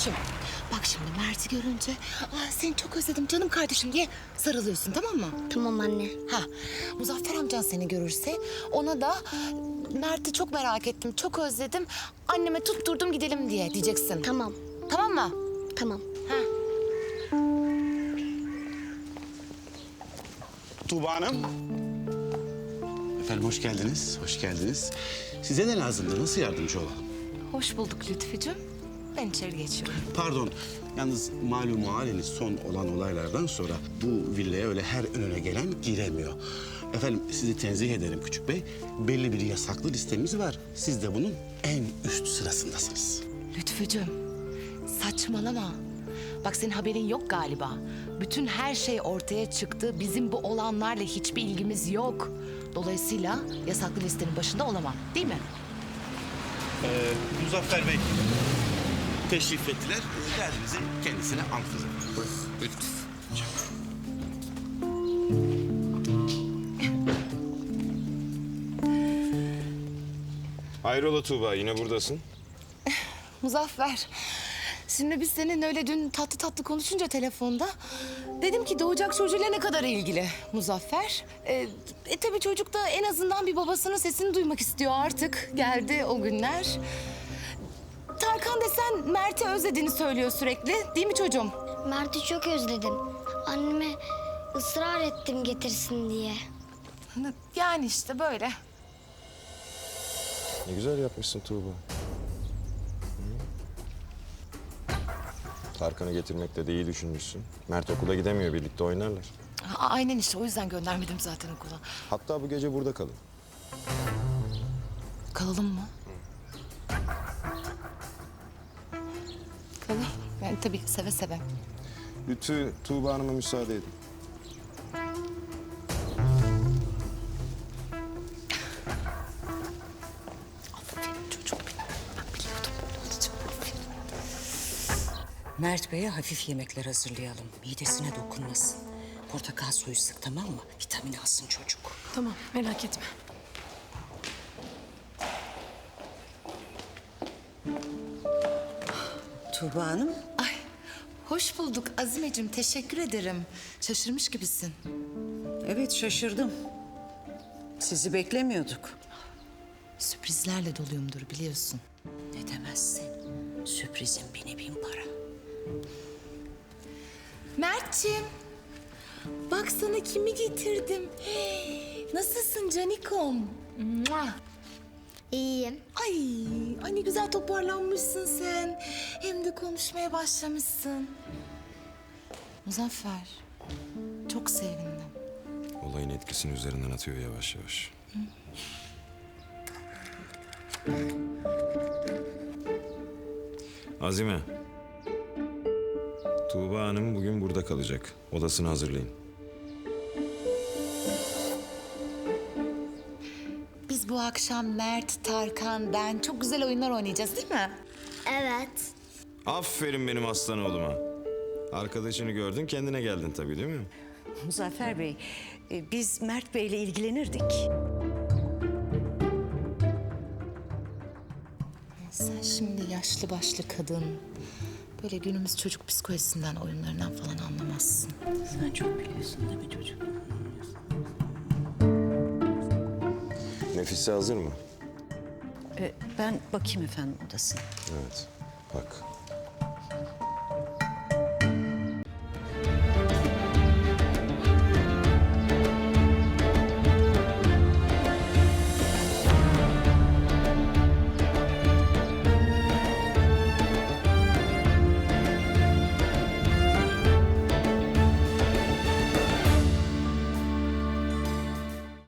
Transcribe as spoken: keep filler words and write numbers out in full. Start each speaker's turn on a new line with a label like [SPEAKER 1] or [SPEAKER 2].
[SPEAKER 1] Lütfücüğüm. Bak şimdi Mert'i görünce Aa, seni çok özledim canım kardeşim diye sarılıyorsun, tamam mı?
[SPEAKER 2] Tamam anne.
[SPEAKER 1] Ha, Muzaffer amcan seni görürse ona da Mert'i çok merak ettim, çok özledim. Anneme tutturdum gidelim diye diyeceksin.
[SPEAKER 2] Tamam.
[SPEAKER 1] Tamam mı?
[SPEAKER 2] Tamam.
[SPEAKER 1] Ha.
[SPEAKER 3] Tuğba Hanım. Efendim hoş geldiniz, hoş geldiniz. Size ne lazımdı, nasıl yardımcı olalım?
[SPEAKER 1] Hoş bulduk Lütfücüğüm. Ben içeri geçiyorum.
[SPEAKER 3] Pardon, yalnız malum haliniz son olan olaylardan sonra bu villaya öyle her önüne gelen giremiyor. Efendim sizi tenzih ederim Küçük Bey. Belli bir yasaklı listemiz var. Siz de bunun en üst sırasındasınız.
[SPEAKER 1] Lütfücüğüm, saçmalama. Bak senin haberin yok galiba. Bütün her şey ortaya çıktı. Bizim bu olanlarla hiçbir ilgimiz yok. Dolayısıyla yasaklı listenin başında olamam, değil mi?
[SPEAKER 3] Ee, Muzaffer Bey teşrif ettiler. Derdinizi kendisine anlatacağım. Buyurun.
[SPEAKER 4] Hayrola Tuğba, yine buradasın.
[SPEAKER 1] Muzaffer, şimdi biz senin öyle dün tatlı tatlı konuşunca telefonda... ...dedim ki doğacak çocuğuyla ne kadar ilgili Muzaffer. Ee, e tabii çocuk da en azından bir babasının sesini duymak istiyor artık. Geldi o günler. Tarkan desen Mert'i özlediğini söylüyor sürekli, değil mi çocuğum?
[SPEAKER 2] Mert'i çok özledim. Anneme ısrar ettim getirsin diye.
[SPEAKER 1] Yani işte böyle.
[SPEAKER 4] Ne güzel yapmışsın Tuğba. Hı? Tarkan'ı getirmekte de iyi düşünmüşsün. Mert okula gidemiyor, birlikte oynarlar.
[SPEAKER 1] A- Aynen işte, o yüzden göndermedim zaten okula.
[SPEAKER 4] Hatta bu gece burada kalın.
[SPEAKER 1] Kalalım mı? Kalalım. Yani tabii seve seve.
[SPEAKER 4] Lütfü, Tuğba Hanım'a müsaade edin.
[SPEAKER 1] Aferin çocuk benim. Ben biliyordum böyle olacağını. Aferin.
[SPEAKER 5] Mert Bey'e hafif yemekler hazırlayalım. Midesine dokunmasın. Portakal suyu sık, tamam mı? Vitamin alsın çocuk.
[SPEAKER 6] Tamam, merak etme.
[SPEAKER 5] Tuğba Hanım.
[SPEAKER 1] Ay, hoş bulduk Azimeciğim. Teşekkür ederim. Şaşırmış gibisin.
[SPEAKER 5] Evet, şaşırdım. Sizi beklemiyorduk.
[SPEAKER 1] Sürprizlerle doluyumdur biliyorsun.
[SPEAKER 5] Ne demezsin. Sürprizin bini bin para.
[SPEAKER 1] Mert'ciğim, bak sana kimi getirdim. Hey, nasılsın canikom? Mua.
[SPEAKER 2] İyiyim.
[SPEAKER 1] Ay, ay ne güzel toparlanmışsın sen. Hem de konuşmaya başlamışsın. Muzaffer, çok sevindim.
[SPEAKER 4] Olayın etkisini üzerinden atıyor yavaş yavaş. Azime. Tuğba Hanım bugün burada kalacak. Odasını hazırlayın.
[SPEAKER 1] Biz bu akşam Mert, Tarkan, ben çok güzel oyunlar oynayacağız değil mi?
[SPEAKER 2] Evet.
[SPEAKER 4] Aferin benim aslan oğluma. Arkadaşını gördün, kendine geldin tabii değil mi?
[SPEAKER 5] Muzaffer Bey, e, biz Mert Bey'le ilgilenirdik.
[SPEAKER 1] Sen şimdi yaşlı başlı kadın, böyle günümüz çocuk psikolojisinden, oyunlarından falan anlamazsın.
[SPEAKER 5] Sen çok biliyorsun değil mi çocuk?
[SPEAKER 4] Nefise hazır mı?
[SPEAKER 5] E, ben bakayım efendim odasına.
[SPEAKER 4] Evet, bak.